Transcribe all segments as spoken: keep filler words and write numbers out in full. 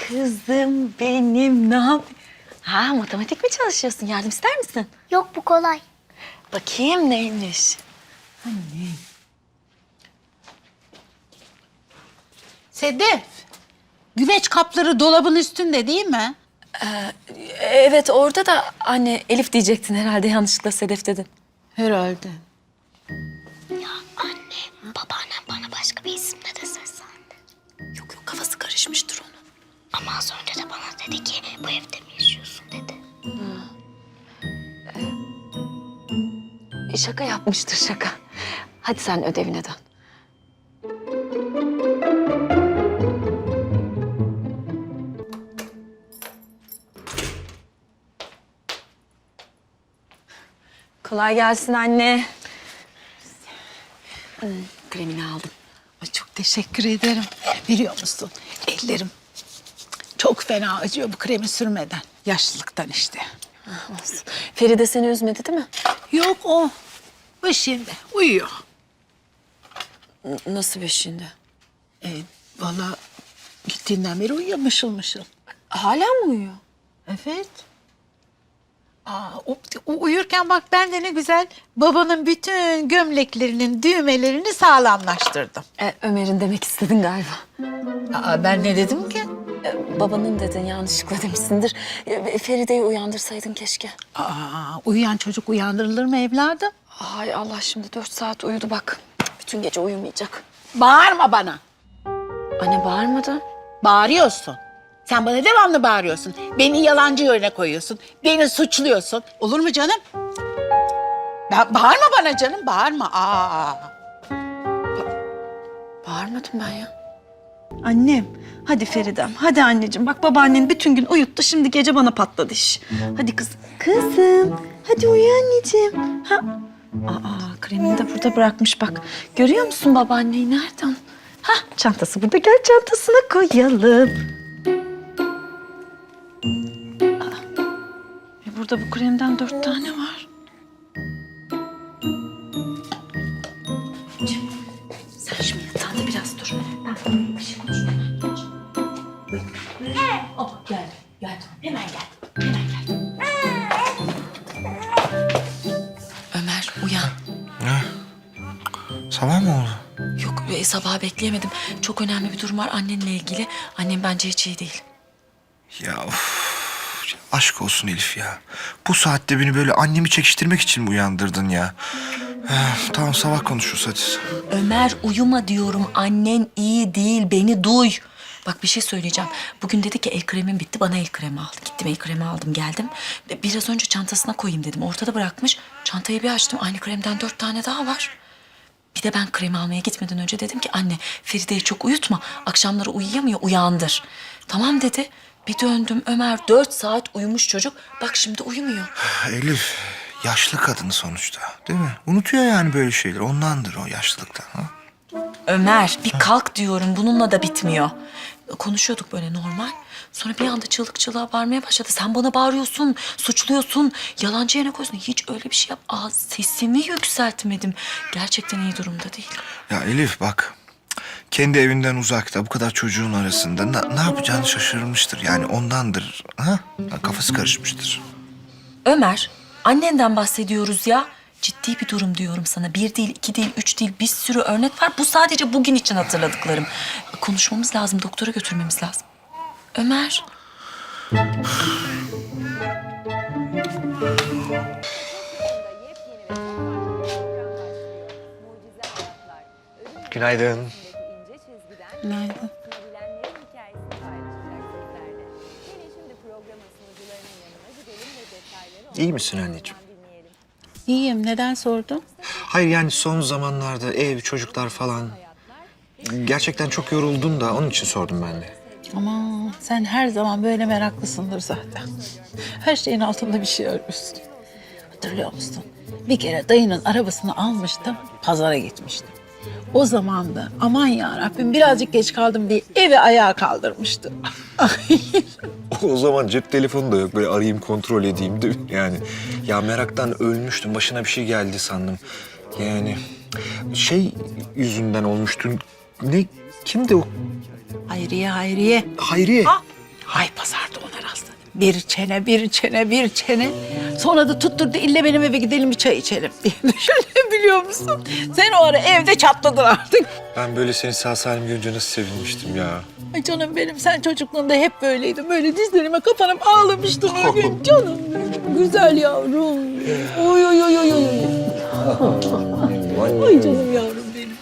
Kızım benim ne yap? Ha, matematik mi çalışıyorsun? Yardım ister misin? Yok, bu kolay. Bakayım neymiş? Anne. Sedef, güveç kapları dolabın üstünde değil mi? Evet orada da anne Elif diyecektin herhalde yanlışlıkla Sedef dedin. Herhalde. Ya anne, babaannem bana başka bir isimle de seslendi. Yok yok kafası karışmıştır onun. Ama az önce de bana dedi ki bu evde mi yaşıyorsun dedi. E, şaka yapmıştır şaka. Hadi sen ödevine dön. Kolay gelsin anne. Hmm, kremini aldım. Ay, çok teşekkür ederim. Biliyor musun, ellerim çok fena acıyor bu kremi sürmeden. Yaşlılıktan işte. Olsun. Feride seni üzmedi değil mi? Yok o. Başında uyuyor. N- nasıl beşiğinde? E, vallahi gittiğinden beri uyuyor mışıl mışıl. Hala mı uyuyor? Evet. Aa, o, o uyurken bak ben de ne güzel babanın bütün gömleklerinin düğmelerini sağlamlaştırdım. E, Ömer'in demek istedin galiba. Aa, ben ne dedim ki? E, babanın dedin yanlışlıkla demişsindir. E, Feride'yi uyandırsaydın keşke. Aa, uyuyan çocuk uyandırılır mı evladım? Hay Allah şimdi dört saat uyudu bak. Bütün gece uyumayacak. Bağırma bana. Anne bağırmadı. Bağırıyorsun. Sen bana devamlı bağırıyorsun. Beni yalancı yerine koyuyorsun. Beni suçluyorsun. Olur mu canım? Ya bağırma bana canım, bağırma. Aa. Bağırmadım ben ya. Annem, hadi Feridem, hadi anneciğim. Bak babaannen bütün gün uyuttu, şimdi gece bana patladı iş. Hadi kızım. Kızım, hadi uyu anneciğim. Ha? Aa, kremini de burada bırakmış bak. Görüyor musun babaanneyi nereden? Ha, çantası burada. Gel çantasına koyalım. Aa, e burada bu kremden dört tane var. Sen şimdi yatağında biraz dur. Ben bir şey konuşmam. Oh, gel, gel. Hemen gel. Hemen gel. Ömer uyan. Ne? Sabah mı oldu? Yok e, sabaha bekleyemedim. Çok önemli bir durum var annenle ilgili. Annem bence hiç iyi değil. Ya of. Aşk olsun Elif ya. Bu saatte beni böyle annemi çekiştirmek için mi uyandırdın ya? Eh, tamam sabah konuşuruz hadi. Ömer uyuma diyorum. Annen iyi değil. Beni duy. Bak bir şey söyleyeceğim. Bugün dedi ki el kremim bitti. Bana el kremi al. Gittim el kremi aldım geldim. Biraz önce çantasına koyayım dedim. Ortada bırakmış. Çantayı bir açtım. Aynı kremden dört tane daha var. Bir de ben kremi almaya gitmeden önce dedim ki anne Feride'yi çok uyutma. Akşamları uyuyamıyor uyandır. Tamam dedi. Bir döndüm Ömer dört saat uyumuş çocuk. Bak şimdi uyumuyor. Elif yaşlı kadın sonuçta değil mi? Unutuyor yani böyle şeyler. Ondandır o yaşlılıktan. Ha? Ömer bir kalk diyorum bununla da bitmiyor. Konuşuyorduk böyle normal. Sonra bir anda çığlık çığlığa bağırmaya başladı. Sen bana bağırıyorsun, suçluyorsun, yalancı yerine koyuyorsun. Hiç öyle bir şey yap. Aa, sesimi yükseltmedim. Gerçekten iyi durumda değil. Ya Elif bak. Kendi evinden uzakta bu kadar çocuğun arasında ne, ne yapacağını şaşırmıştır. Yani ondandır. Ha? Kafası karışmıştır. Ömer, annenden bahsediyoruz ya. Ciddi bir durum diyorum sana. Bir değil, iki değil, üç değil. Bir sürü örnek var. Bu sadece bugün için hatırladıklarım. Konuşmamız lazım, doktora götürmemiz lazım. Ömer. Günaydın. Günaydın. İyi misin anneciğim? İyiyim. Neden sordun? Hayır yani son zamanlarda ev, çocuklar falan... Gerçekten çok yoruldum da onun için sordum ben de. Ama sen her zaman böyle meraklısındır zaten. Her şeyin altında bir şey arıyorsun. Hatırlıyor musun? Bir kere dayının arabasını almıştım, pazara gitmiştim. O zaman da aman ya Rabbim birazcık geç kaldım diye evi ayağa kaldırmıştım. O zaman cep telefonu da yok. Böyle arayayım, kontrol edeyim değil mi? Yani ya meraktan ölmüştüm. Başına bir şey geldi sandım. Yani şey yüzünden olmuştu. Ne? Kimdi o? Hayriye, Hayriye. Hayriye. Ah, Hay pazarda ona rastladım. Bir çene, bir çene, bir çene. Sonra da tutturdu ille benim eve gidelim bir çay içelim diye. Düşünebiliyor musun? Sen o ara evde çatladın artık. Ben böyle seni sağ salim görünce nasıl sevinmiştim ya. Ay canım benim, sen çocukluğunda hep böyleydin. Böyle dizlerime kapanıp ağlamıştın o gün. Canım benim, güzel yavrum. Oy oy oy oy oy. Ay canım yavrum benim.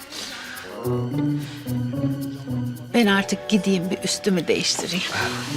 Ben artık gideyim bir üstümü değiştireyim.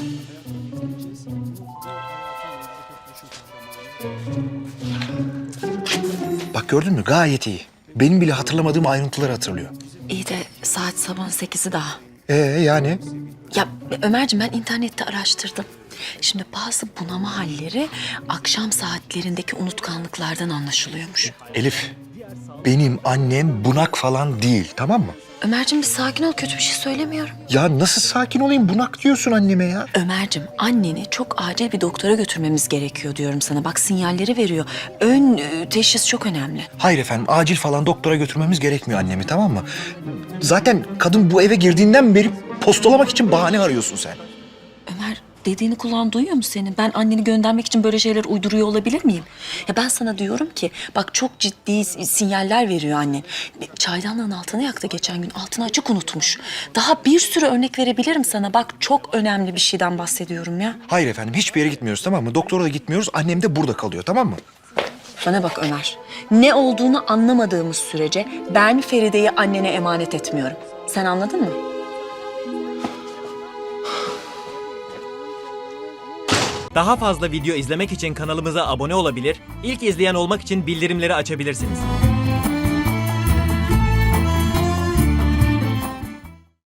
Bak gördün mü gayet iyi. Benim bile hatırlamadığım ayrıntıları hatırlıyor. İyi de saat sabahın sekizi daha. Ee yani? Ya Ömerciğim ben internette araştırdım. Şimdi bazı bunama halleri akşam saatlerindeki unutkanlıklardan anlaşılıyormuş. Elif, benim annem bunak falan değil, tamam mı? Ömerciğim bir sakin ol, kötü bir şey söylemiyorum. Ya nasıl sakin olayım, bunak diyorsun anneme ya. Ömerciğim anneni çok acil bir doktora götürmemiz gerekiyor diyorum sana. Bak sinyalleri veriyor. Ön e, teşhis çok önemli. Hayır efendim, acil falan doktora götürmemiz gerekmiyor annemi, tamam mı? Zaten kadın bu eve girdiğinden beri postalamak için bahane arıyorsun sen. Ömer dediğini kulağın duyuyor mu senin? Ben anneni göndermek için böyle şeyler uyduruyor olabilir miyim? Ya ben sana diyorum ki bak çok ciddi sinyaller veriyor annen. Çaydanlığın altını yaktı geçen gün. Altını açık unutmuş. Daha bir sürü örnek verebilirim sana. Bak çok önemli bir şeyden bahsediyorum ya. Hayır efendim, hiçbir yere gitmiyoruz, tamam mı? Doktora da gitmiyoruz, annem de burada kalıyor, tamam mı? Bana bak Ömer. Ne olduğunu anlamadığımız sürece ben Feride'yi annene emanet etmiyorum. Sen anladın mı? Daha fazla video izlemek için kanalımıza abone olabilir, ilk izleyen olmak için bildirimleri açabilirsiniz.